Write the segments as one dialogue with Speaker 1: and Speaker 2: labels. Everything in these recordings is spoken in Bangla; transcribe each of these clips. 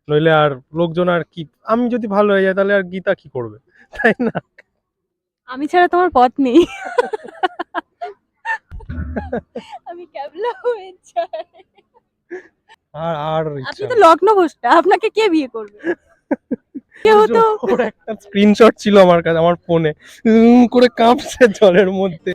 Speaker 1: নইলে আর লোকজন আর কি, আমি যদি ভালো হয়ে যাই তাহলে আর গীতা কি করবে, তাই না?
Speaker 2: আমি ছাড়া তোমার পথ নেই। আমি ক্যাবলা হয়ে যাই।
Speaker 1: আর আর
Speaker 2: আপনি
Speaker 1: ইচ্ছা
Speaker 2: তো
Speaker 1: নেই।
Speaker 2: লগ্ন ভ্রষ্টা, আপনাকে কে বিয়ে করবে? কেউ তো
Speaker 1: ওর একটা স্ক্রিনশট ছিল আমার কাছে, আমার ফোনে করে কাঁপছে জলের মধ্যে।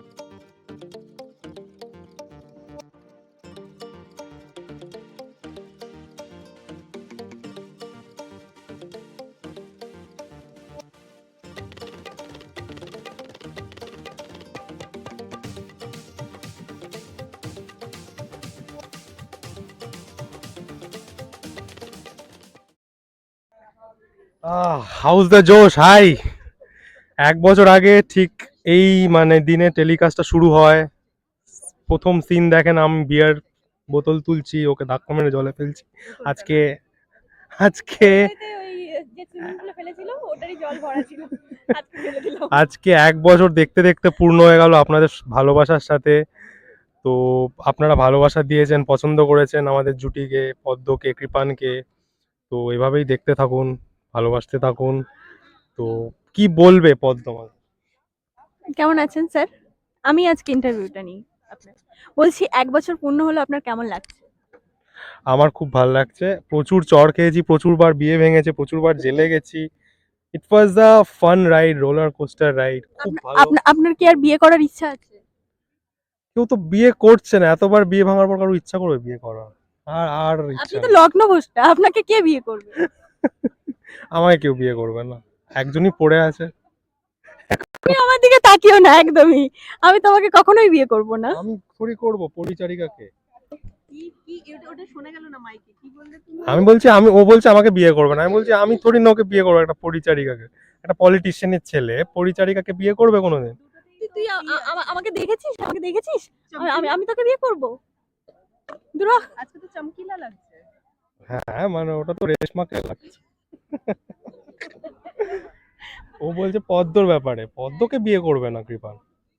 Speaker 1: হাউস দ্য জোশ হাই। 1 বছর আগে ঠিক এই মানে দিনে টেলিকাস্টটা শুরু হয়। প্রথম সিন দেখেন, আমি বিয়ার বোতল তুলছি, ওকে ধাক্কা মেরে জলে ফেলছি। আজকে আজকে
Speaker 2: ওইটাতে ওই যে সুইমিং পুলে ফেলেছিল ওটারই জল ভরা ছিল, আজকে ফেলে দিলাম।
Speaker 1: আজকে 1 বছর দেখতে দেখতে পূর্ণ হয়ে গেল আপনাদের ভালোবাসার সাথে। তো আপনারা ভালোবাসা দিয়েছেন, পছন্দ করেছেন আমাদের জুটিকে, পদ্মকে, কৃপানকে। তো এভাবেই দেখতে থাকুন, ভালোবাসতে থাকুন। তো কি বলবে পদ্ম?
Speaker 2: কেমন আছেন স্যার? আমি আজকে ইন্টারভিউটা নিই আপনার। বলছি 1 বছর পূর্ণ হলো, আপনার কেমন লাগছে?
Speaker 1: আমার খুব ভালো লাগছে, প্রচুর চড় খেয়েছি, প্রচুরবার বিয়ে ভেঙেছে, প্রচুরবার জেলে গেছি। It was a fun ride, roller coaster ride, খুব ভালো।
Speaker 2: আপনার কি আর বিয়ে করার ইচ্ছা আছে?
Speaker 1: কেউ তো বিয়ে করছে না, এতবার বিয়ে ভাঙার পর কারো ইচ্ছা করবে বিয়ে করা? আর আর
Speaker 2: আপনি
Speaker 1: ইচ্ছা
Speaker 2: তো
Speaker 1: নেই।
Speaker 2: লগ্ন ভ্রষ্টা, আপনাকে কে বিয়ে করবে?
Speaker 1: আমায় কেউ বিয়ে করবে না, একজনই পড়ে আছে।
Speaker 2: তুমি আমার দিকে তাকিও না একদমই। আমি তোমাকে কখনোই বিয়ে করব না।
Speaker 1: আমি থোড়ি করবো পরিচারিকাকে।
Speaker 2: ওটা শোনা গেল না মাইকে, কি বললে তুমি?
Speaker 1: আমি বলছি, ও বলছে আমাকে বিয়ে করবে না, আমি বলছি আমি থোড়ি না ওকে বিয়ে করবো, একটা পরিচারিকাকে। একটা পলিটিশিয়ানের ছেলে পরিচারিকাকে বিয়ে করবে কোনোদিন?
Speaker 2: তুই আমাকে দেখেছিস? আমাকে দেখেছিস? আমি আমি তোকে বিয়ে করব? দূর হ। আজকে তো চমকিলা লাগছে।
Speaker 1: হ্যাঁ মানে ওটা তো রেশমাকে লাগছে। ও বলছে পদ্মর ব্যাপারে, পদ্মকে বিয়ে করবে না কৃপান।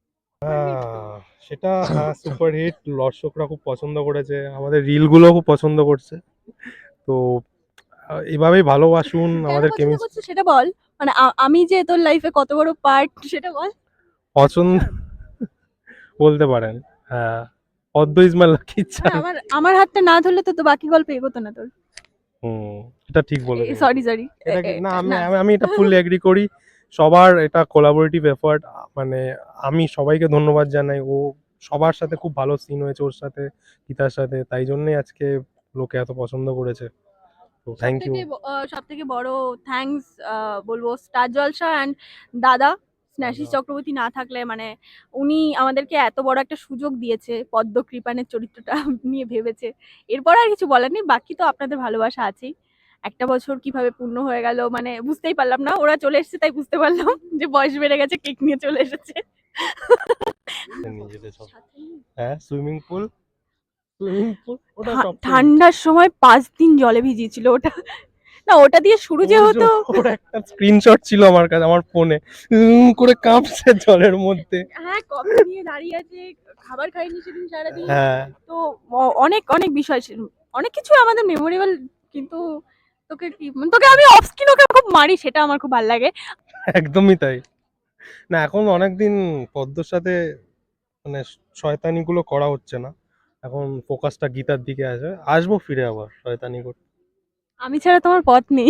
Speaker 1: সেটা হ্যাঁ, সুপার হিট, দর্শকরা খুব পছন্দ করেছে, আমাদের রিল গুলো খুব পছন্দ করছে। তো এভাবেই ভালোবাসুন
Speaker 2: কেন
Speaker 1: আমাদের
Speaker 2: পছন্দ
Speaker 1: কেমিস্ট্রি।
Speaker 2: করছিস সেটা বল। মানে আমি যে তোর লাইফে কত বড় পার্ট সেটা বল।
Speaker 1: পছন্দ বলতে পারেন। হ্যাঁ, পদ্ম ইজ মাই লাকি
Speaker 2: মানে
Speaker 1: চার্ম।
Speaker 2: আমার হাতটা না ধরলে তো বাকি গল্প এগোতো না তোর।
Speaker 1: হুম, এটা ঠিক বলেছেন।
Speaker 2: Sorry sorry.
Speaker 1: এটা কি না, আমি
Speaker 2: না,
Speaker 1: আমি আমি এটা ফুললি এগ্রি করি। সবার এটা কোলাবোরেটিভ এফার্ট। মানে আমি সবাইকে ধন্যবাদ জানাই। ও সবার সাথে খুব ভালো সিন হয়েছে ওর সাথে, গীতার সাথে, তাই জন্যই আজকে লোকে এত পছন্দ করেছে। তো থ্যাংক ইউ।
Speaker 2: সব থেকে বড় থ্যাঙ্কস বলবো স্টার জলসা অ্যান্ড দাদা স্নেহাশিস চক্রবর্তী না থাকলে, মানে উনি আমাদেরকে এত বড় একটা সুযোগ দিয়েছে, পদ্ম কৃপানের চরিত্রটা নিয়ে ভেবেছে। এরপর আর কিছু বলার নেই, বাকি তো আপনাদের ভালোবাসা আছেই। 1 বছর কিভাবে পূর্ণ হয়ে গেল মানে বুঝতেই পারলাম না, ওরা চলে এসেছে তাই বুঝতে পারলাম যে বয়স বেড়ে গেছে, কেক নিয়ে চলে এসেছে।
Speaker 1: নিজেদের সব। হ্যাঁ, সুইমিং পুল, সুইমিং পুল ওটা সবচেয়ে
Speaker 2: ঠান্ডার সময় 5 দিন জলে ভিজিয়েছিল ওটা। না, ওটা দিয়ে শুরু যে হতো।
Speaker 1: ওর একটা স্ক্রিনশট ছিল আমার কাছে, আমার ফোনে করে কাঁপছে জলের মধ্যে।
Speaker 2: হ্যাঁ, কফি নিয়ে দাঁড়িয়ে আছে, খাবার খাইনি সেদিন সারাদিন।
Speaker 1: হ্যাঁ,
Speaker 2: তো অনেক অনেক বিষয় ছিল, অনেক কিছু আমাদের মেমোরেবল। কিন্তু তোকে আমি অফ স্ক্রিন ওকে খুব মারি, সেটা আমার খুব ভালো লাগে।
Speaker 1: একদমই তাই। না এখন অনেকদিন পদ্মর সাথে মানে শয়তানি গুলো করা হচ্ছে না, এখন ফোকাসটা গীতার দিকে আছে, আসবো ফিরে আবার শয়তানি করতে।
Speaker 2: আমি ছাড়া তোমার পথ নেই।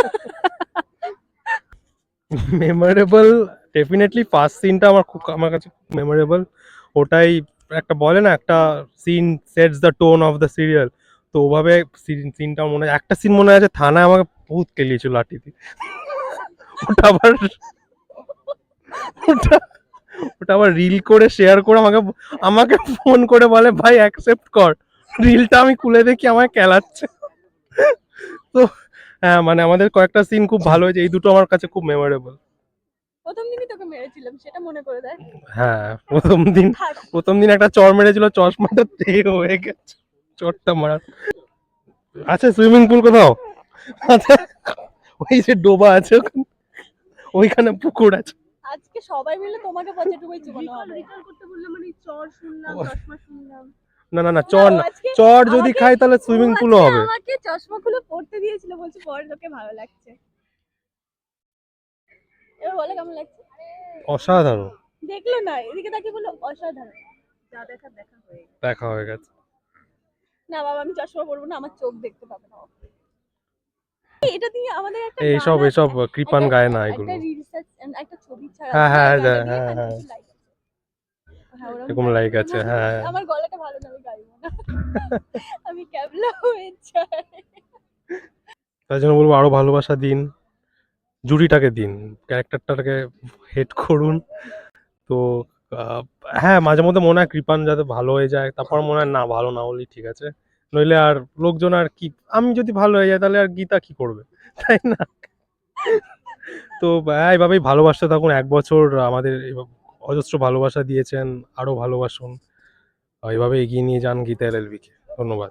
Speaker 1: মেমোরেবল, ডেফিনেটলি ফার্স্ট সিনটা আমার কাছে মেমোরেবল। ওটাই একটা বলে না, একটা scene sets the tone of the serial. তো ওভাবে সিনটা মনে হয়, একটা সিন মনে আছে থানায় আমাকে বহুত কেলিয়েছিল লাঠি দিয়ে। ওটা আবার ওটা ওটা আবার রিল করে শেয়ার করে আমাকে আমাকে ফোন করে বলে ভাই অ্যাকসেপ্ট কর। রিলটা আমি খুলে দেখি আমায় কেলাচ্ছে। তো হ্যাঁ মানে আমাদের কয়েকটা সিন খুব ভালো হয়েছে, এই দুটো আমার কাছে খুব মেমোরেবল।
Speaker 2: প্রথম দিনই তোকে মেরেছিলাম, সেটা মনে করে দেখ।
Speaker 1: হ্যাঁ, প্রথম দিন একটা চর মেরেছিল, চশমাটা তেল হয়ে গেছে চরটা মারা। আচ্ছা, সুইমিং পুল কোথাও? আচ্ছা, ওই যে ডোবা আছে ওইখানে পুকুর আছে।
Speaker 2: আজকে সবাই মিলে তোমাকে পচে ডুবেছি মনে হবে। রিকল করতে বললাম, মানে চর শুনলাম, চশমা শুনলাম।
Speaker 1: না না না, চর
Speaker 2: ও
Speaker 1: না,
Speaker 2: আজকে
Speaker 1: চর যদি
Speaker 2: আমাকে-
Speaker 1: খাই তাহলে
Speaker 2: ও
Speaker 1: সুইমিং
Speaker 2: আজকে
Speaker 1: পুলও হবে।
Speaker 2: আমাকে চশমা খুলে পড়তে দিয়েছিল, বলছে পরে তোকে ভালো লাগছে। এবার বলে কেমন লাগছে?
Speaker 1: অসাধারণ।
Speaker 2: দেখলো না, এদিকে তাকিয়ে বললো অসাধারণ। যা দেখার দেখা হয়ে গেছে।
Speaker 1: দেখা হয়ে গেছে।
Speaker 2: না বাবা, আমি চশমা পরবো না, আমার চোখ দেখতে পাবে না। এটা দিয়ে আমাদের একটা গান
Speaker 1: এইসব
Speaker 2: আছে,
Speaker 1: এসব কৃপান গায় না
Speaker 2: একটা
Speaker 1: এগুলো।
Speaker 2: রিসার্চ একটা ছবি ছাড়া
Speaker 1: হ্যাঁ
Speaker 2: আছে না,
Speaker 1: হ্যাঁ
Speaker 2: এই গানটা দিয়ে
Speaker 1: হ্যাঁ হ্যাঁ,
Speaker 2: কিছু লাইক আছে। হ্যাঁ ওরকম
Speaker 1: এরকম
Speaker 2: গান
Speaker 1: লাইক
Speaker 2: করবো
Speaker 1: আছে,
Speaker 2: না।
Speaker 1: হ্যাঁ।
Speaker 2: আমার গলাটা ভালো না, আমি গাইবো না। আমি ক্যাবলা হয়ে যাই।
Speaker 1: তাই জন্য বলবো আরো ভালোবাসা দিন, জুরিটাকে দিন, ক্যারেক্টারটাকে হেড করুন। তো আহ, হ্যাঁ মাঝে মধ্যে মনে হয় কৃপান যাতে ভালো হয়ে যায়, তারপর মনে হয় না ভালো না হলেই ঠিক আছে, নইলে আর লোকজন আর কি, আমি যদি ভালো হয়ে যাই তাহলে আর গীতা কি করবে, তাই না? তো এইভাবেই ভালোবাসতে থাকুন, 1 বছর আমাদের অজস্র ভালোবাসা দিয়েছেন, আরো ভালোবাসুন, এইভাবে এগিয়ে নিয়ে যান গীতা এলএলবি কে। ধন্যবাদ।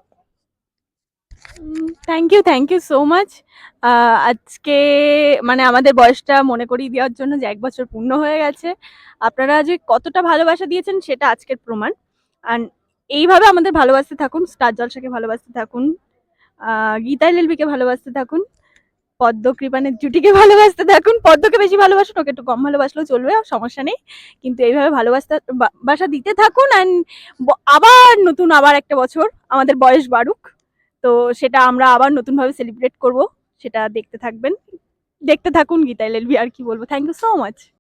Speaker 2: Thank you so much. আজকে মানে আমাদের বয়সটা মনে করিয়ে দেওয়ার জন্য যে 1 বছর পূর্ণ হয়ে গেছে। আপনারা যে কতটা ভালোবাসা দিয়েছেন সেটা আজকের প্রমাণ। অ্যান্ড এইভাবে আমাদের ভালোবাসতে থাকুন, স্টার জলসাকে ভালোবাসতে থাকুন, গীতা এলএলবিকে ভালোবাসতে থাকুন, পদ্ম কৃপানের জুটিকে ভালোবাসতে থাকুন। পদ্মকে বেশি ভালোবাসুন, ওকে একটু কম ভালোবাসলেও চলবে, সমস্যা নেই। কিন্তু এইভাবে ভালোবাসা বাসা দিতে থাকুন। অ্যান্ড আবার নতুন আবার একটা বছর আমাদের বয়স বাড়ুক, তো সেটা আমরা আবার নতুনভাবে সেলিব্রেট করব, সেটা দেখতে থাকবেন, দেখতে থাকুন গীতা এলএলবি। আর কি বলবো, থ্যাংক ইউ সো মাচ।